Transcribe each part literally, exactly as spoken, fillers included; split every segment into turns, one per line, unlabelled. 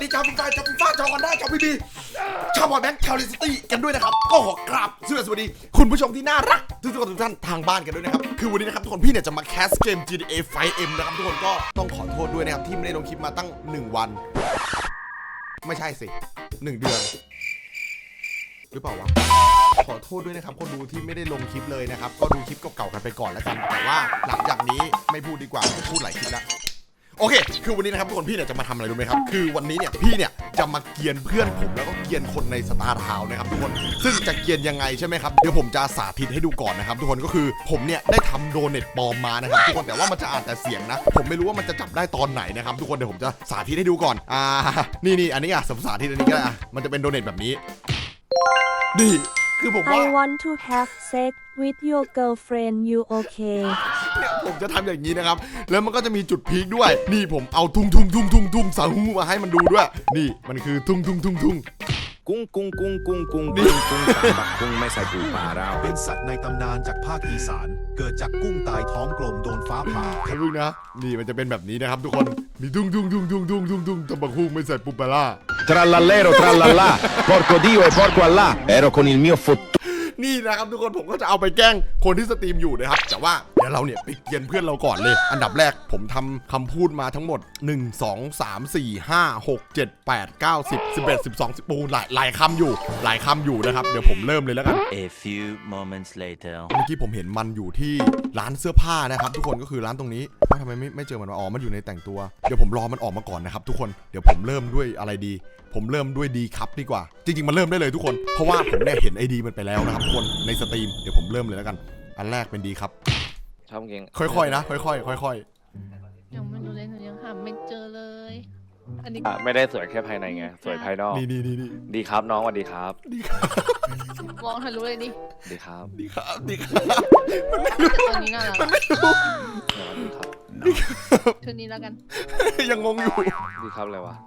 ดีชาวฟีฟ่าชาวฟีฟ่าชาวกันได้ชาวพีบีชาวบอลแบงค์ชาวลิสตี้กันด้วยนะครับก็ขอกราบสวัสดีคุณผู้ชมที่น่ารักทุกคนทุกท่านทางบ้านกันด้วยนะครับคือวันนี้นะครับทุกคนพี่เนี่ยจะมาแคสเกม จี ที เอ ไฟว์ เอ็ม นะครับทุกคนก็ต้องขอโทษด้วยนะครับที่ไม่ได้ลงคลิปมาตั้งหนึ่งวันไม่ใช่สิหนึ่งเดือนหรือเปล่าวะขอโทษด้วยนะครับคนดูที่ไม่ได้ลงคลิปเลยนะครับก็ดูคลิปเก่าๆกันไปก่อนแล้วกันแต่ว่าหลังจากนี้ไม่พูดดีกว่าไม่พูดหลายคลิปแล้วโอเคคือวันนี้นะครับทุกคนพี่เนี่ยจะมาทำอะไรรู้ไหมครับคือวันนี้เนี่ยพี่เนี่ยจะมาเกียนเพื่อนผมแล้วก็เกียนคนในสตาร์ทาวน์นะครับทุกคนซึ่งจะเกียนยังไงใช่ไหมครับเดี๋ยวผมจะสาธิตให้ดูก่อนนะครับทุกคนก็คือผมเนี่ยได้ทำโดเนทปลอมมานะครับทุกคนแต่ว่ามันจะอ่านแต่เสียงนะผมไม่รู้ว่ามันจะจับได้ตอนไหนนะครับทุกคนเดี๋ยวผมจะสาธิตให้ดูก่อนอ่านี่นี่อันนี้อ่ะสมสาธิตอันนี้ก็ได้อ่ะมันจะเป็นโดเนทแบบนี้ดีคือผมว่า
I want to have sex with your girlfriend you okay
เนี่ยผมจะทำอย่างนี้นะครับแล้วมันก็จะมีจุดพีคด้วยนี่ผมเอาทุ่งทุ่งทุ่งทุ่งทุ่งสาหูมาให้มันดูด้วยนี่มันคือทุ่งทุ่งทุ่งทุ่ง
กุ้งกุ้งกุ้งกุ้งกุ้งกุ้งกุ้งปักกุ้งไม่ใส่ปูปลาเรา
เป็นสัตว์ในตำนานจากภาคอีสานเกิดจากกุ้งตายท้องกลมโดนฟ้าผ่า
ครับลูกนะนี่มันจะเป็นแบบนี้นะครับทุกคนมีทุ่งทุ่งทุ่งทุ่งทุ่งทุ่งทุ่งตะบักหุ่งไม่ใส่ปูปลาร่า
Trallallero trallallà porco dio e porco allà ero con il mio fottuto
นี่นะครับทุกคนผมก็จะเอาไปแกล้งคนที่สตรีมอยู่นะครับแต่ว่าเดี๋ยวเราเนี่ยไปเกียนเพื่อนเราก่อนเลยอันดับแรกผมทำคำพูดมาทั้งหมดหนึ่ง สอง สาม สี่ ห้า หก เจ็ด แปด เก้า สิบ สิบเอ็ด สิบสอง สิบปูหลายหลายคำอยู่หลายคำอยู่นะครับเดี๋ยวผมเริ่มเลยแล้วกัน
A few moments later
เมื่อกี้ผมเห็นมันอยู่ที่ร้านเสื้อผ้านะครับทุกคนก็คือร้านตรงนี้ว่าทำไมไม่ไม่เจอมันอ๋อมันอยู่ในแต่งตัวเดี๋ยวผมรอมันออกมาก่อนนะครับทุกคนเดี๋ยวผมเริ่มด้วยอะไรดีผมเริ่มด้วยดีครับดีกว่าจริงๆมันเริ่มได้เลยทุกคนเพราะว่าผมได้เห็นไอดีมันไปแล้วนะครับทุกคนในสตรีมเดี๋ยวผมเริ่มเลยแล้วกันอันแรกเป็นดีครับ
ชอบเก่ง
ค่อยๆนะค่อยๆค่อย
ๆยังไม่รู้เลยหนูยังหาไม่เจอเลยอันนี้
ไม่ได้สวยแค่ภายในไงสวยภายนอก
นี่นี่นี่
ดีครับน้องสวัสดีครับ
ดีครับ
มองทะลุเลยดิ
ดีครับ
ดีครับดีครับ
ตัวนี้น่ารัก
มันไม่รู้
ดีครับ
ดีครับ
ชุดนี้แล้วกัน
ยังงงอยู่
ดีครับอะไรวะ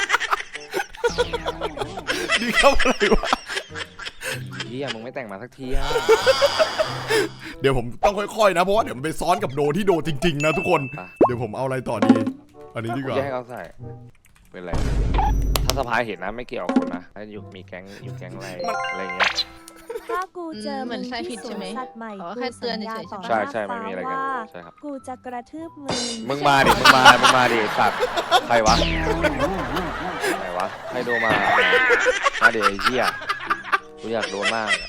ดีครับอะไรวะ
เฮียมึงไม่แต่งมาสักทีอ่ะ
เดี๋ยวผมต้องค่อยๆนะเพราะว่าเดี๋ยวมันไปซ้อนกับโดที่โดจริงๆนะทุกคนเดี๋ยวผมเอาอะไรต่อดีอันนี้ดีกว่า
ให้เขาใส่เป็นไรถ้าสภายเห็นนะไม่เกี่ยวกับคนนะถ้าอยู่มีแก๊งอยู่แก๊งอะไรอะไรเงี้ย
ถ้ากูเจอเหมือนใช่ผิดใช่ไหม
แค่เตือนเฉยๆ
ใช่ใช่ไม่มีอะไรกันใช่ครับ
กูจะกระทืบมึง
มึงมาดิมึงมามึงมาดิสัตว์ใครวะใครวะใครโดนมามาดิไอ้เหี้ยกูอยากโดนมาก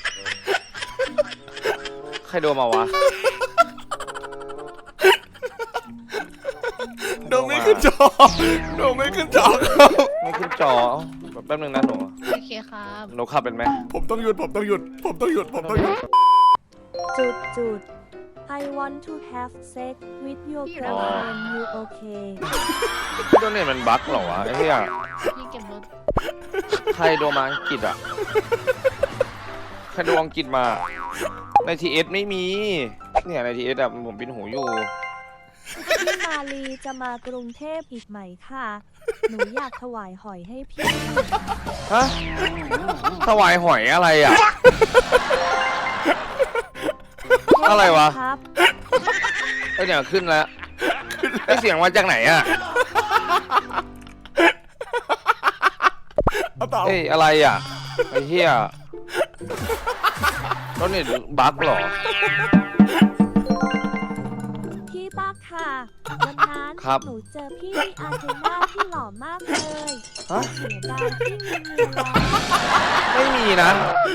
ใครโดนมาวะ
โดนไม่ขึ้นจอโดนไม่ขึ้นจอครับ
ไม่ขึ้นจอแป๊บนึงนะหนู
โอเคครับ
หนูขับเป็นไหม
ผมต้องหยุดผมต้องหยุดผมต้องหยุดผมต้องหยุด
จุดจุด I want to have sex with your girlfriend you okay
โดนเนี่ยมันบั๊กเหรอวะไอ้เหี้ย
พี่เก็บรถ
ใครโดนมาอังกฤษอ่ะใครโดนอังกฤษมาในทีเอสไม่มีเนี่ยในทีเอสอะผมปินหูอยู่
พี่มาลีจะมากรุงเทพอีกไหมค่ะหนูอยากถวายหอยให้พี่
ฮะถวายหอยอะไรอ่ะอะไรวะไอเนี่ยขึ้นแล้วไอเสียงมาจากไหนอ่ะเฮ้ยอะไรอ่ะไอเหี้ยต้นนี่บั๊กหรอ
พี่ตั๊กค่ะวันนั้นหนูเจอพี่อาเทน่าที่หล่อมากเลยเสียดายที่มีเมียแล้ว
ไม่มีนะ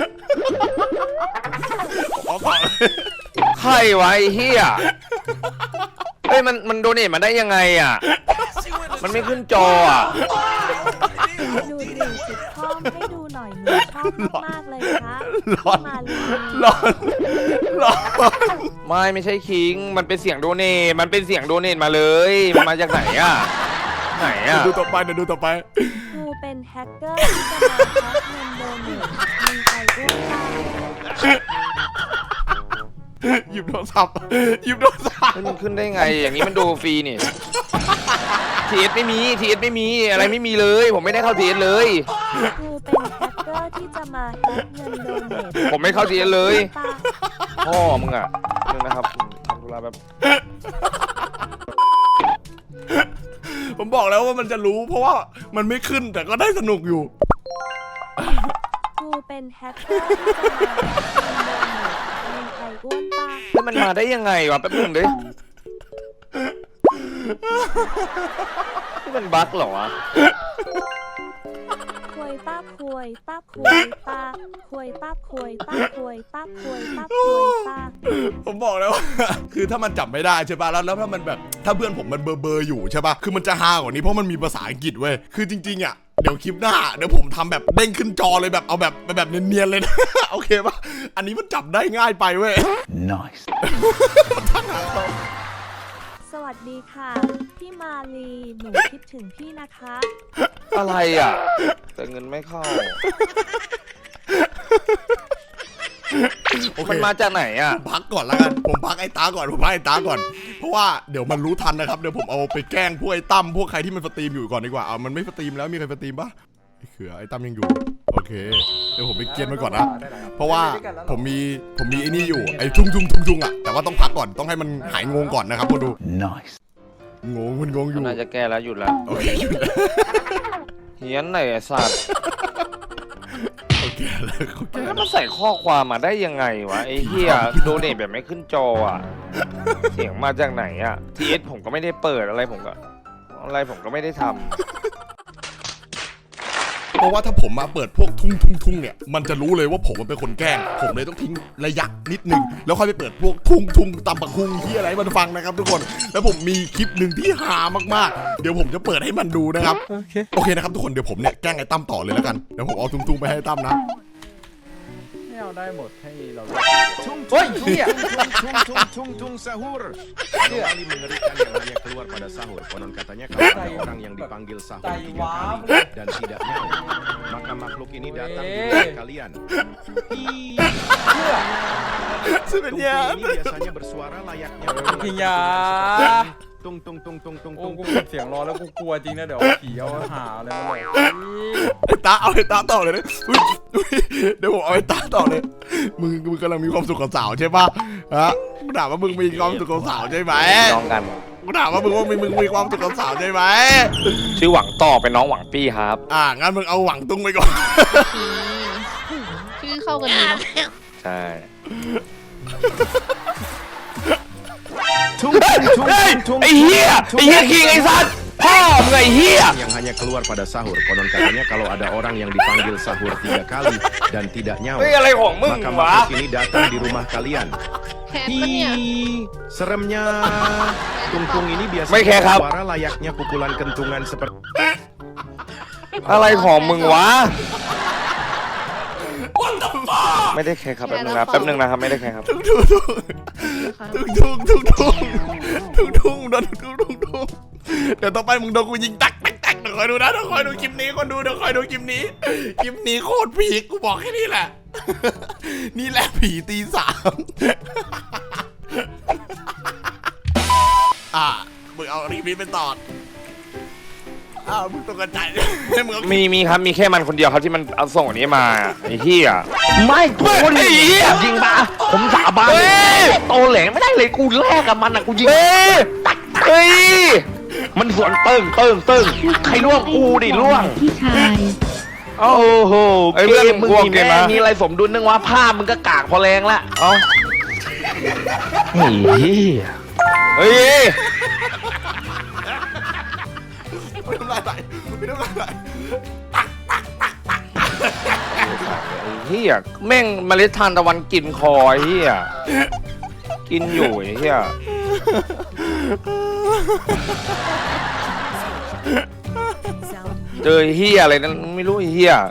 ใครวะไอ้เหี้ยเฮ้ยมันมันโดเนทมาได้ยังไงอ่ะมันไม่ขึ้นจออ่ะ
ดูดิสิบข้อมให้ดูหน่อยหนูชอบมากเลยครับมาลี
ร้อนร้อน
ไม่ไม่ใช่คิงมันเป็นเสียงโดเนทมันเป็นเสียงโดเนทมาเลยมันมาจากไหนอ่ะไหนอ่ะ
ดูต่อไปเดี๋ยวดูต่อไป
กูเป็นแฮกเกอร์ที่จะมาแฮกเงินโดเนทมีใครด้วยบ้าง
หยิบโทรศัพท์หยิบโทรศัพท์
มันขึ้นได้ไงอย่างนี้มันดูฟรีนี่ทีเอสไม่มีทีเอสไม่มีอะไรไม่มีเลยผมไม่ได้เข้าทีเอสเลย
กูเป็นแฮกเกอร์ที่จะมาแฮกเงินโดเนท
ผมไม่เข้าทีเอสเลยพ่อมึงอ่ะนึงนะครับทำธุระแบบ
ผมบอกแล้วว่ามันจะรู้ เพราะว่ามันไม่ขึ้นแต่ก็ได้สนุกอยู่
กูเป็นแฮกเกอร์ที่จะมามีใครอ้วนปะ
แล้วมันมาได้ยังไงวะแป๊บนึงดินี่มันบั๊กเหรอวะ
ควยป้าควยป้าควยป้าควยป้าควยป้าควยป้าควยป้าควยป้า
ผมบอกแล้วว่า คือถ้ามันจับไม่ได้ใช่ป่ะแล้วแล้วถ้ามันแบบถ้าเพื่อนผมมันเบอร์เบอร์อยู่ใช่ป่ะคือมันจะฮากว่านี้เพราะมันมีภาษาอังกฤษเว้ยคือจริงๆอ่ะเดี๋ยวคลิปหน้าเดี๋ยวผมทำแบบเด้งขึ้นจอเลยแบบเอาแบบแบบเนียนๆเลยนะ โอเคป่ะอันนี้มันจับได้ง่ายไปเว้ย
Nice.
สวัสดีค่ะ พี่มาลีหนูคิดถึงพี่นะคะ
อะไรอ่ะ แต่เงินไม่เข้า
โอเค
มันมาจากไหนอ่ะ
พักก่อนแล้วกันผมพักไอ้ตาก่อนผมพักไอ้ตาก่อนเพราะว่าเดี๋ยวมันรู้ทันนะครับเดี๋ยวผมเอาไปแกล้งพวกไอ้ตั้มพวกใครที่มันสตรีมอยู่ก่อนดีกว่าเอามันไม่สตรีมแล้วมีใครสตรีมปะไอ้เขือไอ้ตั้มยังอยู่โอเคเดี๋ยวผมไปเกียนมันก่อนนะเพราะว่าผมมีผมมีไอ้นี่อยู่ไอ้ทุ่งทุ่งทุ่งทุ่งอ่ะแต่ว่าต้องพักก่อนต้องให้มันหายงงก่อนนะครับคนดู
Nice.
งงมันงงอยู่
น่าจะแก้แล้วหยุดแล้ว
โอเคหยุดแล้ว
เฮียนไหนไอ้สัตว์
โอเคแล้วโอเค
แล้วมันใส่ข้อความมาได้ยังไงวะไอ้เฮียโดเนทแบบไม่ขึ้นจออ่ะ เสียงมาจากไหนอ่ะทีเอสผมก็ไม่ได้เปิดอะไรผมก็อะไรผมก็ไม่ได้ทำ
เพราะว่าถ้าผมมาเปิดพวกทุ่งทุ่งทุ่งเนี่ยมันจะรู้เลยว่าผมมันเป็นคนแกล้งผมเลยต้องทิ้งระยะนิดนึงแล้วค่อยไปเปิดพวกทุ่งทุ่งตำบักคุงที่อะไรให้มันฟังนะครับทุกคนแล้วผมมีคลิปหนึ่งที่ฮามากๆเดี๋ยวผมจะเปิดให้มันดูนะครับโอเคโอเคนะครับทุกคนเดี๋ยวผมเนี่ยแกล้งไอ้ตั้มต่อเลยแล้วกันเดี๋ยวผมเอาทุ่งทุ่งไปให้ตั้มนะ
ให้เอาได้หมดให้เรา
Tung,
Woi,
tung,
iya.
tung, tung, tung, tung, tung, tung, sahur. Kembali mengerikan yang hanya keluar pada sahur. Konon katanya kalau ada orang yang dipanggil sahur tiga kali dan tidak nyaut, maka makhluk ini datang di rumah kalian. Ih, Tungtung ini biasanya bersuara layaknya
พิญญา
tung tung tung tung tung
โอ้
tung
กู
tung.
เปิดเสียงรอแล้วกูกลัวจริงนะเดี๋ยวผีเอาหาอะไรมาหลอก
ไอ้ตาเอาไอ้ตาต่อเลยนะอุ๊ยอุ๊ยเดี๋ยวผมเอาไอ้ตาต่อเลยมึงมึงกำลังมีความสุขกับสาวใช่ปะฮะกูถามว่ามึงมีความสุขกับสาวใช่ไหม
น้องกัน
กูถามว่ามึงว่ามึงมึงมีความสุขกับสาวใช่ไหม
ชื่อหวังต่อเป็นน้องหวังปี้ครับ
อ่างั้นมึงเอาหวังตุ้งไปก่อน
ชื่อเข้ากันดีเนาะ
ใช่
Tung tung tung tung tung.
ไอ้เหี้ยไอ้เหี้ยคิงไอ้สัตว์พ่อมึงไอ้เหี้ย
Yang hanya keluar pada sahur. Konon katanya kalau ada orang yang dipanggil sahur tiga kali dan tidak nyaut,
เฮ้ยอะไรของมึง
maka
วะ
makhluk ini datang di rumah kalian.
แคทปะเนี่ย
Ih, seremnya. Tungtung ini
Baik,
biasanya
ya, Kap.
suara layaknya pukulan kentungan seperti
อะไรของมึงวะไม่ได้แค่ครับแป๊บนึงนะแป๊บนึงนะครับไม่ได้แค่ครับ
ตุ้งตุ้งตุ้งตุ้งตุ้งตุ้งตุ้งตุ้งโดนตุ้งตุ้งตุ้งเดี๋ยวต่อไปมึงโดนกูยิงตักตักตักเดี๋ยวคอยดูนะเดี๋ยวคอยดูคลิปนี้คนดูเดี๋ยวคอยดูคลิปนี้คลิปนี้โคตรผีกูบอกแค่นี้แหละ นี่แหละผีตีสามอ่ะมึงเอาคลิปนี้ไปตอดอ้าวมึงตกใจให้มึงเอา
มีมีครับมีแค่มันคนเดียวครับที่มันเอาส่งอันนี้มาไอ้เหี้ย
ไม่คน
ไอ้เหี้ย
จริงปะผมสาบาน
เฮ้ย
โตแหลงไม่ได้เลยกูแลกกับมันอ่ะกูยิง
เฮ้ยเฮ้ย
มันสวนเติ้งเติ้งเติ้งใครล่วงกูดิล่วง
พี่ชาย
โอ้โห
ไอ้
เก
เพื่อน
มมึง
กลัว
มี
เกม
แม่
นะ
มีอะไรสมดุลนึงวะผ้ามึงก็กากพอแรงละ
เอ้า
เฮ้ย
เฮ้ย
ไม่ต้องไล่ไปไม่ต้องไล่ไป
ไอ้เหี้ยแม่งเมล็ดทานตะวันกินคอไอ้เหี้ยกินอยู่ไอ้เหี้ย เจอไอ้เหี้ยอะไรนั้นไม่รู้ไอ้เหี้ย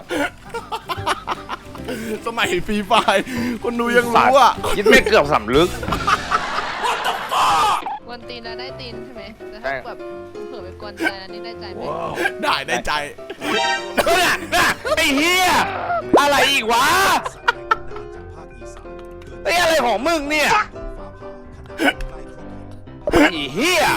สมัยฟรีไฟร์คนดูยังรู้อ่ะ
ยิดไม่เกือบสำลึก
กวนตีนแล้วได้ตีนใช่ไหมแต่
ใช่
ถ้าแบบเผื่อไปกวนใจแล้วนี่ได้ใจไหม
ได้ได้ใจ
ไอ้เหี้ยอะไรอีกวะไอ้อะไรของมึงเนี่ยไอ้เหี้ย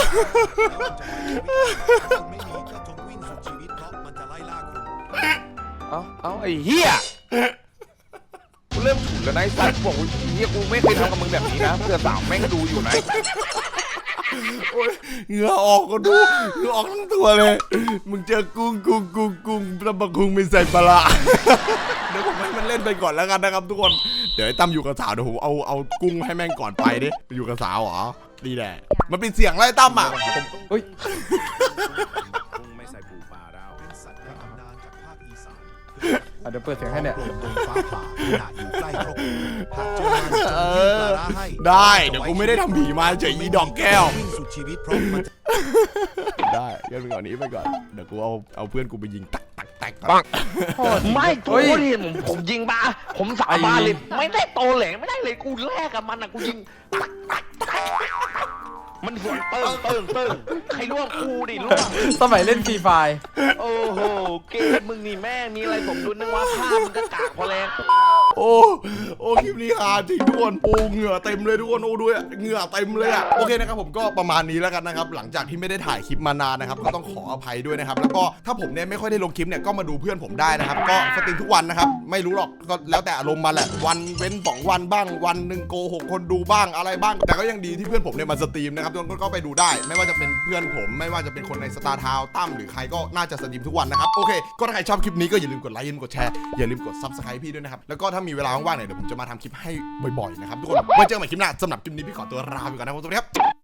เอาเอาไอ้เหี้ยกูเริ่มฉุนแล้วนะไอ้สัตว์บอกว่าไอ้เหี้ยกูไม่เคยทำกับมึงแบบนี้นะเพื่อสาวแม่งดูอยู่นะ
โอ้ยเหงื่อออกก็ดูเหงื่อออกทั้งตัวเลยมึงเจอกุ้งกุ้งกุ้งกุ้งแล้วบักกุ้งไม่ใส่ปลาร้าเดี๋ยวผมให้มันเล่นไปก่อนแล้วกันนะครับทุกคนเดี๋ยวไอ้ตั้มอยู่กับสาวเดี๋ยวผมเอาเอากุ้งให้แม่งก่อนไปดิอยู่กับสาวเหรอดีแหละมันเป็นเสียงไล่ตั้มอ่ะ
เฮ้ย
กุ้งไม่ใส่ปูปลาเราเป็นสัตว์ในตำนานจากภาคอีสาน
อ่ะเดี๋ยวเปิดเสียงให้เนี่ย
ตรงฟ้าผ่าขณะอยู่ใกล้ครบหากเจอมันจะมีปลาร้าให้
ได้เดี๋ยวกูไม่ได้ทำผีมาเฉยอีดอกแก้ว
วิ่งสุดชีวิตเพราะมันจะ
ได้งั้นไปก่อนนี้ไปก่อนเดี๋ยวกูเอาเอาเพื่อนกูไปยิงตักตักตักตัก
ไม่กูดิผมผมยิงมาผมสาบานเลยไม่ได้โตแหลงไม่ได้เลยกูแลกกับมันอ่ะกูยิงตักตักตักมันสวนเติ้งเติ้งเติ้งใครล่วงกูดิล่วง
สมัยเล่นฟรีไฟ
โอ้โหเกมมึงนี่แม่งมีอะไรผมดูนึกว่าภาพมันก็กากพอแล้ว
โอ้โอ้คลิปนี้ฮาจริงทุกคนโอ้เหงื่อเต็มเลยทุกคนโอ้ด้วยเหงื่อเต็มเลยอ่ะโอเคนะครับผมก็ประมาณนี้แล้วกันนะครับหลังจากที่ไม่ได้ถ่ายคลิปมานานนะครับก็ต้องขออภัยด้วยนะครับแล้วก็ถ้าผมเนี่ยไม่ค่อยได้ลงคลิปเนี่ยก็มาดูเพื่อนผมได้นะครับก็สตรีมทุกวันนะครับไม่รู้หรอกก็แล้วแต่อารมณ์มาแหละวันเว้นสองวันบ้างวันหนึ่งโกหกคนดูบ้างอะไรบ้างแต่ก็ยังดีที่เพื่อนผมเนี่ยมาสตรีมนะครับทุกคนก็ไปดูได้ไม่ว่าจะเป็นเพื่อนผมไม่ว่าจะเป็นคนในสตาร์ทาวน์ตั้มหรือใครก็น่าจะสตรีมทุกวันนะครับโอเคก็ถ้าใครชอบคลิปนี้ก็อย่าลืมกดไลค์อย่าลืมกดแชร์อย่าลืมกด ซับสไครบ์ พี่ด้วยนะครับแล้วก็ถ้ามีเวลาว่างๆเนี่ยเดี๋ยวผมจะมาทำคลิปให้บ่อยๆนะครับทุกคนไว้เจอกันใหม่คลิปหน้าสำหรับคลิปนี้พี่ขอตัวลาไปก่อนนะครับสวัสดีครับ